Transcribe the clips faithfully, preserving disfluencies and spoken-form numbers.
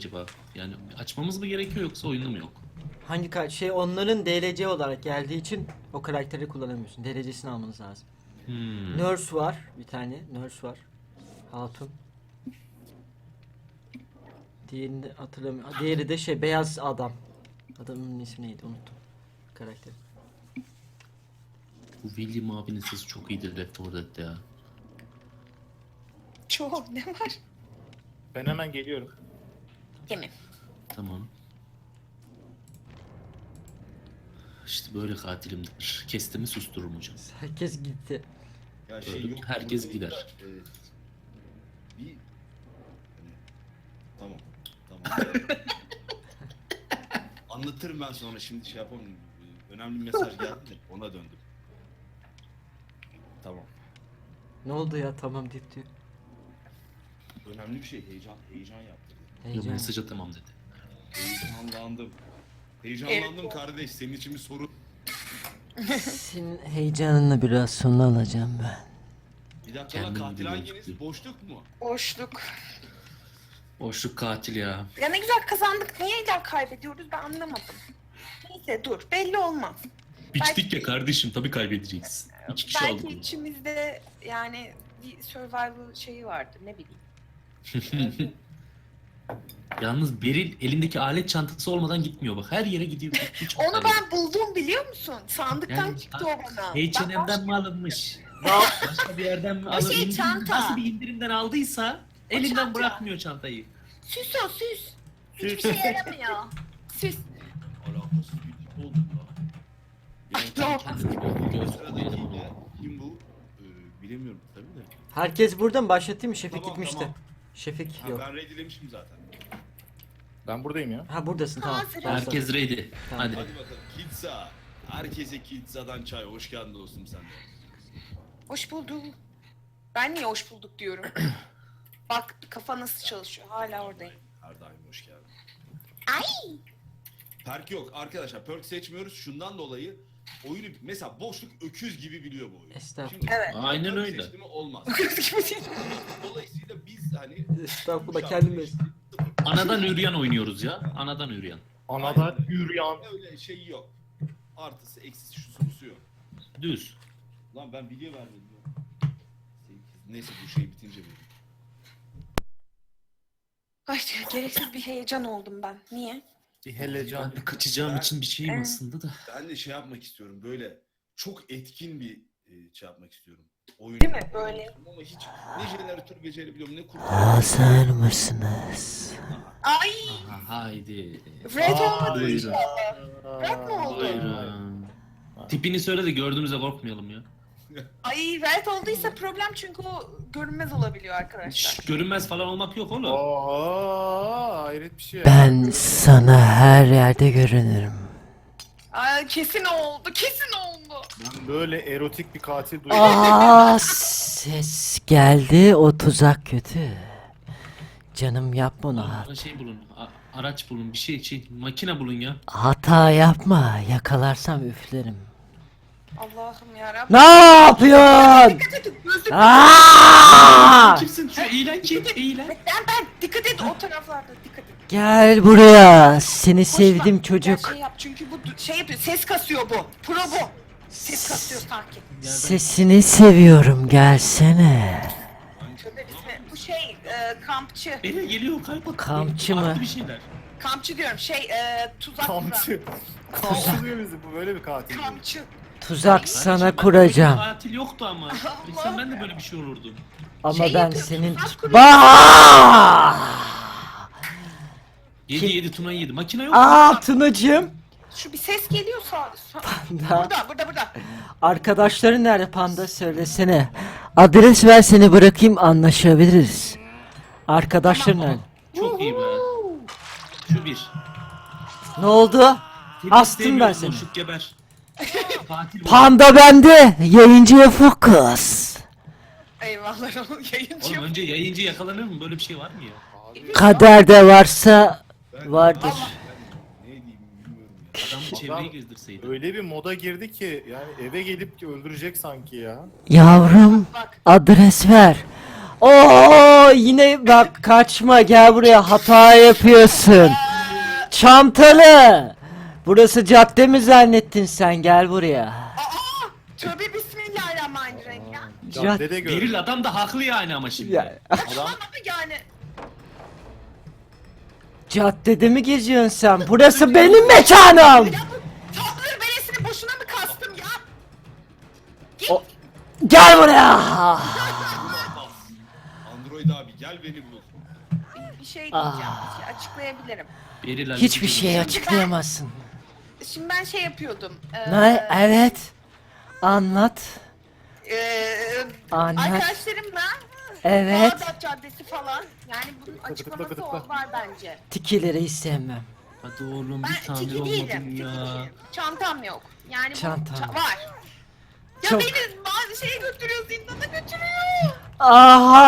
acaba? Yani açmamız mı gerekiyor yoksa oyunda mı yok? Hangi ka- şey onların D L C olarak geldiği için o karakteri kullanamıyorsun. D L C'sini almanız lazım. Hmm. Nurse var bir tane. Nurse var. Hatun. Diğerini hatırlamıyorum. Diğeri de şey beyaz adam. Adamın ismi neydi unuttum. Karakter. Bu William abinin sesi çok iyidir Left four Dead'de ya. Çok ne var? Ben hemen geliyorum. Yemin. Tamam. İşte böyle katilimdir. Kestimi sustururum hocam. Herkes gitti. Ya şey Öyle yok. herkes burada gider. da, e, bir hani, tamam. Tamam. Anlatırım ben sonra, şimdi şey yapamam. E, Önemli bir mesaj geldi de ona döndüm. Tamam. Ne oldu ya tamam deyip diyor. Önemli bir şey, heyecan heyecan yaptı. Yo, Heyecan. mesaja tamam dedi. Heyecanlandım. Heyecanlandım kardeş, senin için bir soru. Senin heyecanını biraz sonra alacağım ben. Bir dakika lan, Kendim katil gibi hanginiz? gözüküyor. Boşluk mu? Boşluk. Boşluk katil ya. Ya ne güzel kazandık. Niye illa kaybediyoruz ben anlamadım. Neyse dur belli olmaz. Biçtik Belki- ya kardeşim, tabii kaybedeceksin. İki kişi aldık Belki onu. içimizde yani bir survival şeyi vardır ne bileyim. Yalnız Beril elindeki alet çantası olmadan gitmiyor bak. Her yere gidiyor. Hiç Onu haberi yok. ben buldum biliyor musun? Sandıktan Yani, çıktı o bana. H Ben and M'den başka- mi alınmış? Başka bir yerden mi O alınmış? şey çanta. Nasıl bir indirimden aldıysa elinden çanta. bırakmıyor çantayı. Süs o süs. Hiçbir şey yaramıyor. Süs. Alakasız bir tip oldum lan. Ay, Yani yok. Kendini bir göz sıradaki de kim bu? Ee, bilemiyorum tabii de. Herkes burada mı? Başlatayım mı? Şefik Tamam, gitmişti. tamam. Şefik Ha, yok. ben readylemişim zaten. Ben buradayım ya. Ha buradasın tamam. Hazırım. Başla. Herkes ready. Tamam. Hadi. Hadi bakalım. Pizza. Herkese pizzadan çay. Hoş geldin dostum sen de. Hoş bulduk. Ben niye hoş bulduk diyorum. Bak kafa nasıl çalışıyor. Hala oradayım. Her daim hoş geldin. Ay. Perk yok arkadaşlar. Perk seçmiyoruz. Şundan dolayı oyunu mesela boşluk öküz gibi biliyor bu oyunu. Estağfurullah. Evet. Aynen perk öyle. seçti mi olmaz. Kız gibi değil. Dolayısıyla biz hani Estağfurullah bu kendim şarkıyı- Anadan üryan oynuyoruz ya. Anadan üryan. Anadan yürüyen. Öyle şey yok. Artısı eksisi şusu busu yok. Düz. Lan ben video vermedim ya. Sekiz. Neyse bu şey bitince vereyim. Ay gereksiz bir heyecan oldum ben. Niye? Bir helecan. Ben de kaçacağım Ben- için bir şeyim Evet. aslında da. Ben de şey yapmak istiyorum, böyle çok etkin bir e, şey yapmak istiyorum. Oyun. Değil mi? Böyle. Ama hiç ne jeneratör becerebiliyorum ne kurtarabiliyorum. Hazır mısınız? Ay. Aha, haydi. Red Aa, olmadı buyurun. inşallah. Red mi oldu? Buyurun. Tipini söyle de gördüğümüzde korkmayalım ya. Ay red olduysa problem çünkü o görünmez olabiliyor arkadaşlar. Şşş, görünmez falan olmak yok oğlum. Oha, hayret bir şey. ya. Ben sana her yerde görünürüm. Ay kesin oldu. Kesin oldu. Ben böyle erotik bir katil duydum. Aa ses geldi o tuzak kötü. Canım yapma onu. Bana şey bulun, a- araç bulun, bir şey, şey, makine bulun ya. Hata yapma yakalarsam üflerim. Allah'ım yarabbim. Ne yapıyorsun? Dikkat edin. Gözlük. Aa! Kimsin? Şu eğlen kim? Eğlen. Ben ben dikkat et o taraflarda dikkat et. Gel buraya. Seni Boş sevdim ver, çocuk. gel Şey yap çünkü bu du- şey yapıyor. Ses kasıyor bu. Pro bu. Ses kasıyor sanki. Sesini seviyorum gelsene. Tövbe bismillah. Bu şey e, kampçı. Beni geliyor kayboldu. Kampçı mı? Farklı bir şeyler. Kampçı diyorum. Şey e, tuzak kuran. Kamçı. Kamçı diyor bizi. Bu böyle bir katil. Kampçı. Tuzak sana Kardeşim, ben kuracağım. böyle bir Katil yoktu ama. Bilsem ben de böyle bir şey olurdu. Ama Şey ben yapıyor, senin... tuzak kuruyor. Bah! Yedi Kim- yedi Tuna'yı yedi. Makine yok mu? Aa Tunacığım. Şu bir ses geliyor sağ. sağ- Panda. Burada burada burada. Arkadaşların nerede Panda söylesene. Adres ver seni bırakayım anlaşabiliriz. Arkadaşların Tamam, nerede? tamam. Çok iyi be. Şu bir. Ne oldu? Seni Astım ben sevmiyoruz, seni. boşluk geber. Katil bu. Panda bende. Yayıncıya fokus. Eyvallah oğlum yayıncı Oğlum yok. önce yayıncı yakalanır mı? Böyle bir şey var mı ya? Kaderde varsa Ben- vardır. Ne diyeyim bilmiyorum ya. Adamı Adam- çevreye gezdirseydi. Öyle bir moda girdi ki yani eve gelip öldürecek sanki ya. Yavrum Bak adres ver. Oo yine bak kaçma gel buraya hata yapıyorsun. Çantalı. Burası cadde mi zannettin sen gel buraya. Aa! Tövbe bismillahirrahmanirrahim ya. Caddede gördüm. Beril adam da haklı yani ama şimdi. Ya, Tamam ama yani. caddede mi geziyorsun sen? Burası benim mekanım. Ya bu tatlı beresini boşuna mı kastım ya? Git. O- Gel buraya. Android abi gel beni bul. Bir şey diyeceğim. Ah. Bir şey açıklayabilirim. Beril Ali Hiçbir gibi. şey açıklayamazsın. Şimdi ben şey yapıyordum. eee, Ne? Evet. Anlat. eee, Anlat. arkadaşlarımla Evet. Bağdat Caddesi falan. Yani bunun açıklaması tıkla. ol- var bence. Tikileri hiç sevmem. Hadi oğlum bir Ben tamir tiki olmadın değilim. Tiki ya. değilim. Çantam yok. Yani bu Çantam. ça- var. Ya Çok- beni bazı şeye götürüyor, zindana götürüyor. Aha!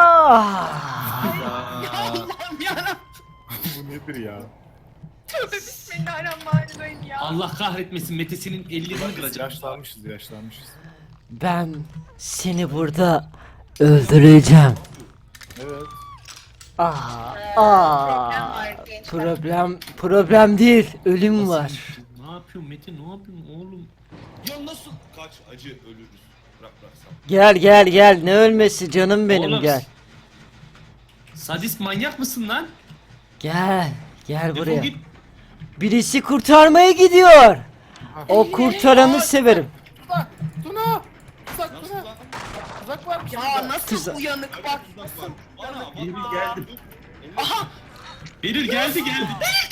Ya Allah'ım yarabbim. Bu nedir ya? Tövbe bismillahirrahmanirrahim ya. Allah kahretmesin Mete'sinin ellerini kıracak. Yaşlanmışız yaşlanmışız. Ben seni burada öldüreceğim. Evet. Aa, Ee, aa. problem var gençler. Problem problem değil, ölüm var. Ne yapıyorsun Mete ne yapıyorsun oğlum? Ya nasıl? Kaç acı ölürüz. Bırak bıraksam. Gel gel gel, ne ölmesi canım benim, Oğlum, gel. Sadist manyak mısın lan? Gel, gel Defol buraya. git. Birisi kurtarmaya gidiyor. O kurtaranı severim. Tuna! Uzak Nasıl Tuna! lan? Uzak var mı? Ya nasıl Kızım. uyanık bak. Bak bak. Ana Beril bak. geldim. Aha. Beril geldi geldi.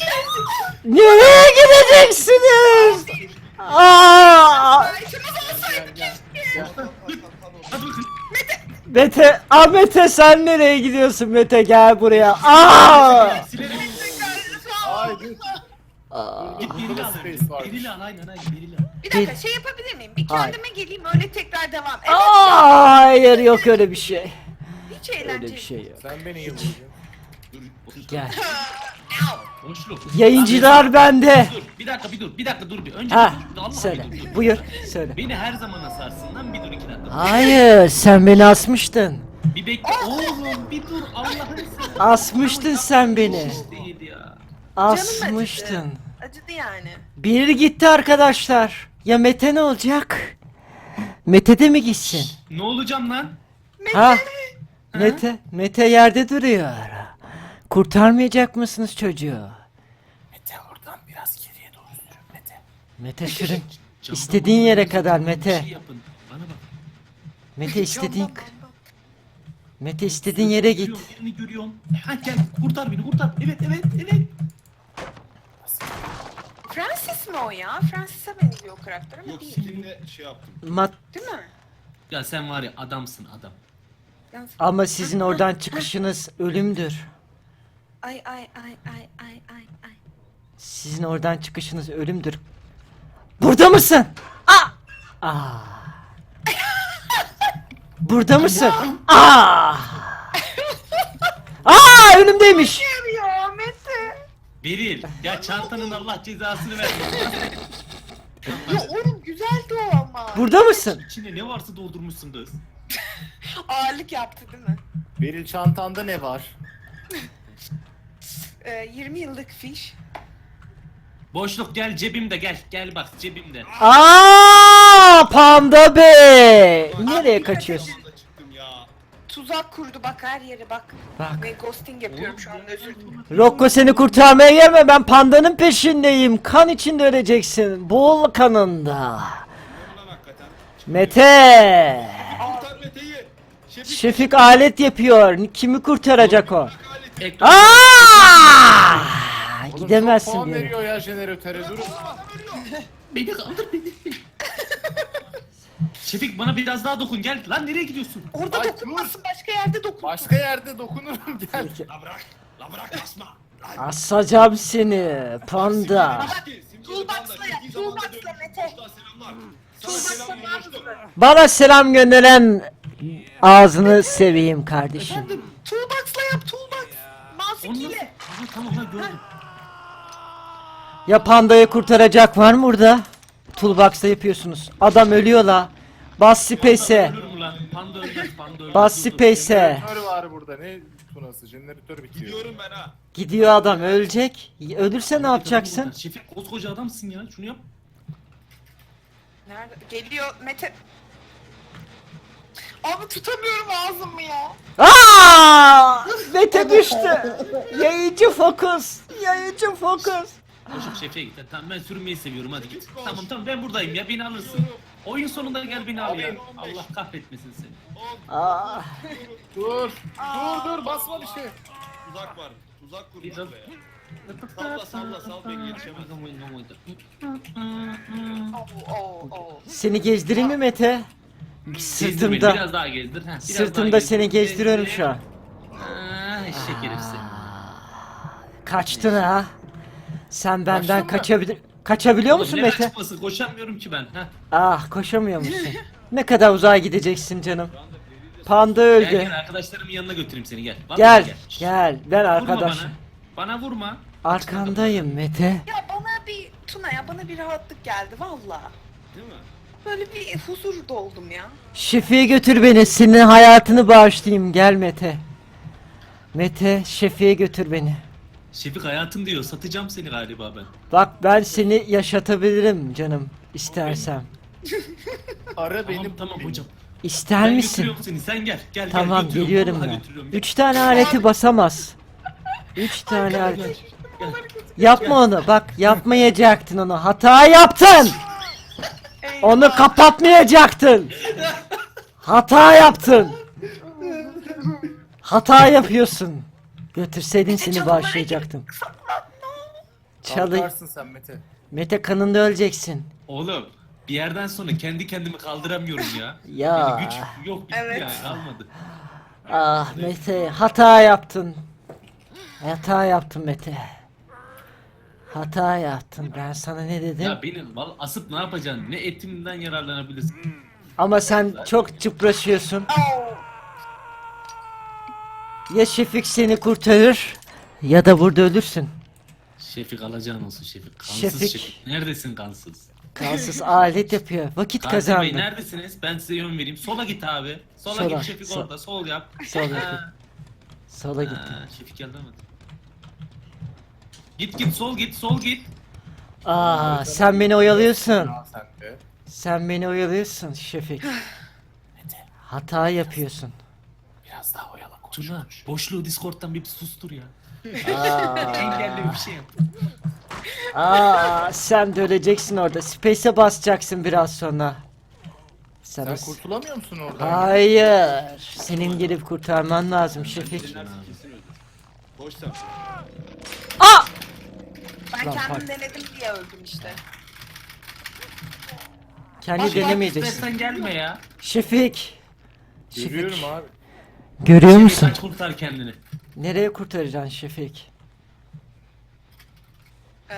Nereye gideceksiniz? Aa! Başımız olsaydı keşke. Hadi bakın. Mete, ah Mete sen nereye gidiyorsun Mete, gel buraya. Aa! Silerim. Ay dur. Aa. Git Beril'i al. Space varmış. Beril'i al aynen aynen Beril'i al. Bir dakika şey yapabilir miyim? Bir Hayır. kendime geleyim öyle tekrar devam. Evet Aa, hayır yok öyle bir şey. hiç eğlenceli. Öyle bir şey yok. Sen beni yıldızın. Dur. otur. Gel. Boşluk. Yayıncılar bende. Dur bir dakika bir dur bir dakika dur bir. Önce Ha, bir dur. Allah söyle. bir dur. Buyur, söyle. Beni her zaman asarsın lan bir dur iki dakika. Hayır, sen beni asmıştın. Bir bekle oğlum bir dur Allah'ını seversen. Asmıştın sen beni. Değil ya. Asmıştın. Acıdı. Acıdı yani. Biri gitti arkadaşlar. Ya Mete ne olacak? Mete de mi gitsin? Ne olacağım lan? Ha? Mete, Mete yerde duruyor. Kurtarmayacak mısınız çocuğu? Mete oradan biraz geriye doğru sürün Mete. Mete sürün. Camdan İstediğin bana yere bir kadar Bir Mete. şey yapın. Bana bak. Mete istediğin Camdan, camdan. Mete istediğin yere git. Görüyorum, Birini görüyorum. Ha gel kurtar beni kurtar. Evet evet evet. Francis mi o ya? Francis'e benziyor o karakter ama Yok değil. seninle şey yaptım. Mat Değil mi? Ya sen var ya adamsın adam. Yalnız- ama sizin oradan çıkışınız ölümdür. Ay ay ay ay ay ay ay. Sizin oradan çıkışınız ölümdür. Burada mısın? Aa! Aa! Burada mısın? Aa! Aa! Önümdeymiş. Ya Mete. Beril ya çantanın Allah cezasını vermesin. Ya oğlum güzeldi o ama. Burada mısın? İçine ne varsa doldurmuşsun kız. Ağırlık yaptı değil mi? Beril çantanda ne var? Ee, yirmi yıllık fiş. Boşluk gel cebimde gel. Gel bak cebimde. Aa! Panda Bey. Nereye kaçıyorsun? Zamanda çıktım ya. Tuzak kurdu bak her yere bak. Bak. Ve ghosting yapıyorum şu an özür dilerim. Rocco seni kurtarmaya gelme, ben pandanın peşindeyim. Kan içinde öleceksin. Boğul kanında. Ne lan hakikaten? Mete. Kurtar Mete'yi. Şefik. Şefik alet yapıyor. Kimi kurtaracak o? Bırak aleti. Ekran. Aa! Oğlum çok Gidemezsin puan bir yere. veriyor ya jeneratöre durun. Beni kaldır beni. Şefik bana biraz daha dokun gel. Lan nereye gidiyorsun? Orada Ay, dokunmasın başka yerde dokun. Başka yerde dokunurum gel. La bırak. La bırak asma. Lan. Asacağım seni panda. Toolbox'la yap, toolbox'la Mete. Selamlar. Toolbox'la Sana selam ne yaptın? Bana selam gönderen ağzını seveyim kardeşim. Toolbox'la yap toolbox. Mouse Onu nasıl? ikiyle. Aha, tamam lan gördüm. Ya pandayı kurtaracak var mı burada? Toolbox'ta yapıyorsunuz. Adam ölüyor la. Bas space'e. Ölürüm lan. panda ölmez, panda ölmez. Bas Dur, dur. space'e. Jeneratör var burada. Ne tunası? Jeneratör bitiyor. Gidiyorum ben ha. Gidiyor adam, ölecek. Ölürse ne yapacaksın? Şefik koskoca adamsın ya. Şunu yap. Nerede? Geliyor Mete. Abi tutamıyorum ağzımı ya. Aa! Mete düştü. Yayıcı fokus. Yayıcı fokus. Koşup şefe git. Tamam ben sürünmeyi seviyorum hadi git. Tamam tamam ben buradayım ya beni alırsın. Oyun sonunda gel beni al ya. Allah kahretmesin seni. Aa! Dur. Dur dur basma bir şey. Tuzak var. Tuzak kurmuş Biraz- buraya. Salla salla sal beni yetişemez. Oo, oo, oo. Seni gezdireyim mi Mete? Gezdir beni, Sırtımda. biraz daha gezdir. Heh, biraz Sırtımda daha seni gezdir. gezdiriyorum Gezdir. şu an. Aa, eşek herifsin. Kaçtın ha? Sen benden Kaçtın mı? kaçabilir kaçabiliyor Oğlum, musun ne Mete? kaçması? Koşamıyorum ki ben. Heh. Ah, koşamıyor musun? Ne kadar uzağa gideceksin canım? Panda Gel öldü. gel arkadaşlarımın yanına götüreyim seni gel. Vallahi Gel, Şşş, gel. Ben Vurma arkadaş. bana. Bana vurma. Arkandayım Mete. Ya bana bir Tuna ya bana bir rahatlık geldi valla. Değil mi? Böyle bir huzur doldum ya. Şefi'ye götür beni. Senin hayatını bağışlayayım. Gel Mete. Mete, Şefi'ye götür beni. Şefik hayatım diyor. Satacağım seni galiba ben. Bak ben seni yaşatabilirim canım. İstersem. Ara Tamam benim. tamam hocam. İster Ben misin? götürüyorum seni. Sen gel. Gel Tamam, gel. götürüyorum. geliyorum Vallahi ben. götürüyorum. Üç tane aleti basamaz. Üç tane alet. Gel. Yapma onu. Bak yapmayacaktın onu. Hata yaptın. Eyvah. Onu kapatmayacaktın. Hata yaptın. Hata yapıyorsun. Götürseydin seni bağışlayacaktım. Çalı. Kalkarsın sen Mete. Mete kanında öleceksin. Oğlum bir yerden sonra kendi kendimi kaldıramıyorum ya. Ya. Yani güç yok bitti Evet. yani kalmadı. Ah Mete, hata yaptın. Hata yaptın Mete. Hata yaptın. Ben sana ne dedim? Ya beni vallahi asıp ne yapacaksın? Ne etimden yararlanabilirsin? Ama sen çok çıpraşıyorsun. Oo. Ya Şefik seni kurtarır ya da burada ölürsün. Şefik alacağın olsun Şefik. Kansız Şefik. Şefik. Neredesin kansız? Kansız alet yapıyor. Vakit Gazi Bey kazandı. neredesiniz? Ben size yön vereyim. Sola git abi. Sola, Sola, git Şefik sol. orada. Sol yap. Sola git. Ha, Sola gitti. ha, Şefik geldi ama. Git git sol git sol git. Aa, sen beni oyalıyorsun. Ya sen de. Sen beni oyalıyorsun Şefik. Hata yapıyorsun. Biraz daha oyala koş. Tuna boşluğu Discord'dan bir sustur ya. Aa, Engelli bir şey yap. aa, sen de öleceksin orada. Space'e basacaksın biraz sonra. Sen, Sen o- kurtulamıyor musun oradan? Hayır. Senin gelip kurtarman lazım Şefik. Denersin kesin öldür. Koş sen. Aa! Ben Lan kendim bak. denedim diye öldüm işte. Kendi Bak, denemeyeceksin. istersen gelme ya. Şefik. Şefik. Görüyorum abi. Görüyor Şefik musun? kaç kurtar kendini. Nereye kurtaracaksın Şefik? Ee,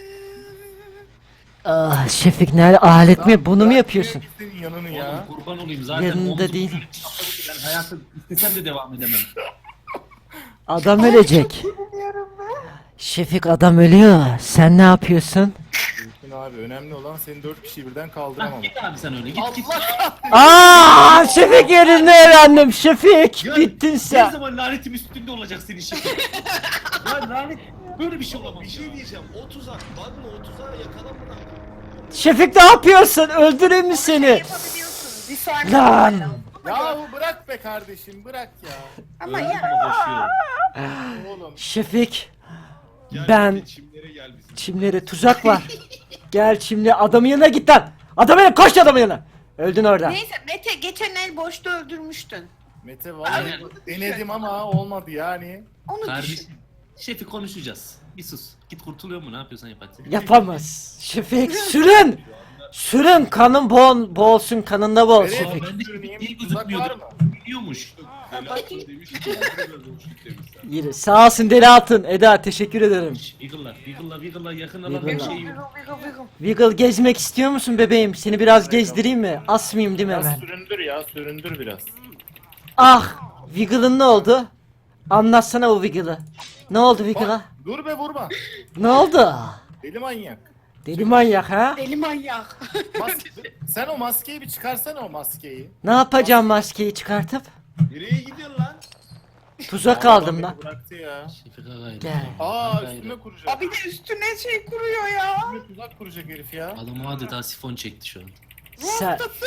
Ah Şefik nerede? Alet mi? Bunu mu yapıyorsun? Niye senin yanını Oğlum ya? kurban olayım zaten. Yanında omzum değil. şöyle çapladı ki Ben hayatı istesem de devam edemem. Adam ölecek. Şefik adam ölüyor. Sen ne yapıyorsun? Mümkün abi. Önemli olan senin dört kişiyi birden Hah, kaldıramam. git abi sen öyle git git. Aa Şefik yerini öğrendim. Şefik Ya, bittin Her sen. zaman lanetim üstünde olacak senin Şefik. Ya lanet böyle bir şey olamaz. Bir şey diyeceğim. O tuzak. Bakma o tuzağa yakalamadan. Şefik ne yapıyorsun? Öldüreyim mi şey seni? yapabiliyorsun. Bir saniye. Lan! Yahu bırak be kardeşim bırak ya. Ama Öldüm ya. ama koşuyorum. Oğlum. Şefik Gel Ben- Mete, çimlere gel bizim. çimlere tuzak var. Gel çimle adamın yanına git lan. Adamın yanına koş adamın yanına. Öldün orada. Neyse Mete geçen el boşta öldürmüştün. Mete vallahi Aynen. denedim ama olmadı yani. Onu düşün. Kardeşim. Şefik konuşacağız. Bir sus. Git kurtuluyor mu? Ne yapıyorsan yap hadi. Yapamaz. Şefik sürün. Sürün kanın boğ boğulsun kanında boğul Nereye Şefik. Ben de sürüneyim? iyi Tuzak var gözükmüyordu. mı? Biliyormuş. Belasın demiş. Biraz boşluk demişler. Yürü. Sağ olsun Deli Hatun. Eda teşekkür ederim. Wiggle'lar, Wiggle'lar, Wiggle'lar yakın alan Wiggle'lar. bir şey. Vıgıl vıgıl vıgıl. Wiggle gezmek istiyor musun bebeğim? Seni biraz gezdireyim mi? Asmayayım değil mi Biraz hemen? süründür ya süründür biraz. Ah! Wiggle'ın ne oldu? Anlatsana o Wiggle'ı. Ne oldu Wiggle'a? Bak, dur be vurma. Ne oldu? Deli manyak. Deli manyak ha? Deli manyak. Mas- sen o maskeyi bir çıkarsana o maskeyi. Ne yapacağım maskeyi çıkartıp? Nereye gidiyorsun lan? Tuzak Adam aldım beni lan. Bıraktı ya. Şefika gayrı. Gel. Aa Gayrı. üstüme kuracak. Abi de üstüne şey kuruyor ya. Üstüme tuzak kuracak herif ya. Adam adeta sifon çekti şu an. Sen... Rastası.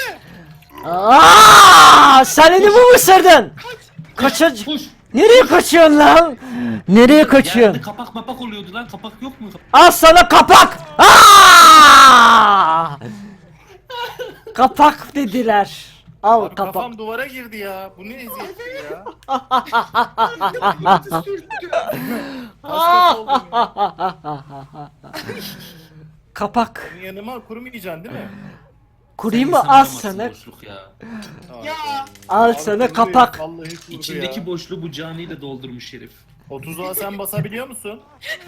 Aa, sen elimi mi ısırdın? Kaçır. Koş. Nereye kaçıyorsun lan? Nereye Yerde kaçıyorsun? kapak mapak oluyordu lan. Kapak yok mu? Al sana kapak. Aa! Kapak dediler. Al Abi kapak. kafam duvara girdi ya. Bu ne eziyettir ya. Yıldızı sürttü. Kaskası oldum ya. Kapak. Senin yanıma kurumayacaksın değil mi? Kurayım Sen mı? insan Al olamazsın sana. boşluk ya. Ya. Al Abi sana kuruyor, kapak. Vallahi kurudu İçindeki ya. boşluğu bu caniyle doldurmuş herif. O tuzağa sen basabiliyor musun?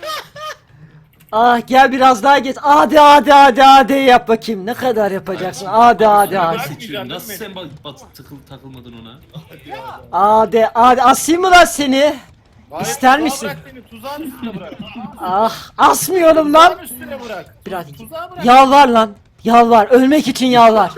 Ah gel biraz daha geç. Hadi hadi hadi hadi yap bakayım. Ne kadar yapacaksın? Hadi hadi hadi. Bırak- Seçiyorum. Nasıl Bırakmayacaksın sen bak, bak takıl, takılmadın ona? Hadi hadi asayım mı lan seni? Hayır, İster tuzağa misin? Bırak beni tuzağın üstüne bırak. Ah asmıyorum Tuzağın lan. üstüne bırak. Biraz Tuzağa bırak. yalvar lan. Yalvar. Ölmek için yalvar.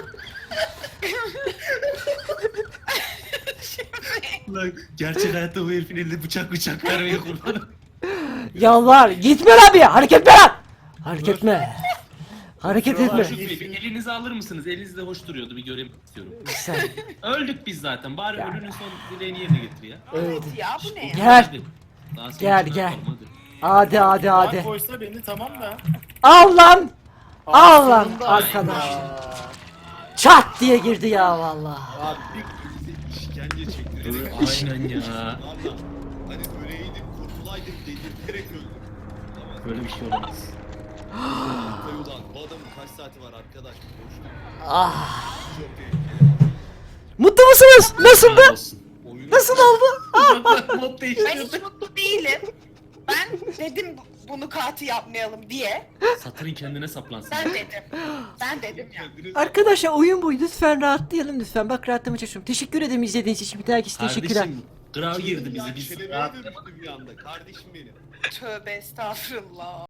Lan gerçek hayatta bu herifin elinde bıçak bıçak vermeye kullanır. Yalvar. Gitme lan bir. Hareket etme lan. Hareket etme. Hareket etme. Şükrü Bey, bir elinizi alır mısınız? Eliniz de hoş duruyordu. Bir göreyim istiyorum. Sen. Öldük biz zaten. Bari ölünün son dileğini yerine getir ya. Evet ya bu ne ya? Gel. Hadi. Daha sonra Gel, şunu gel. yapalım, hadi. Hadi hadi Tuzağa hadi. koysa beni tamam da. Al lan. Al lan sonunda- arkadaş. Aa, Çat diye girdi ya vallahi. Abi bir bize işkence çektirelim. Aynen ya. Valla hani öleydik kurtulaydık dedirterek öldük. Tamam. Böyle bir şey olamaz. Kay ulan bu adamın kaç saati var arkadaş? Boşluk. Ah. Çok tehlikeli. Mutlu musunuz? Nasıldı? Oyunu Nasıl oldu? Mod Ben değiştirdi. hiç mutlu değilim. Ben dedim bu- bunu katı yapmayalım diye. Satırın kendine saplansın. Ben dedim. Ben dedim ya. kendiniz Arkadaşlar oyun bu. Lütfen rahatlayalım lütfen. Bak rahatlamaya çalışıyorum. Teşekkür ederim izlediğiniz için. Bir dahaki teşekkürler. Kardeşim grav girdi bizi. Biz Çelebiye dönüştü bir anda kardeşim benim. Tövbe estağfurullah.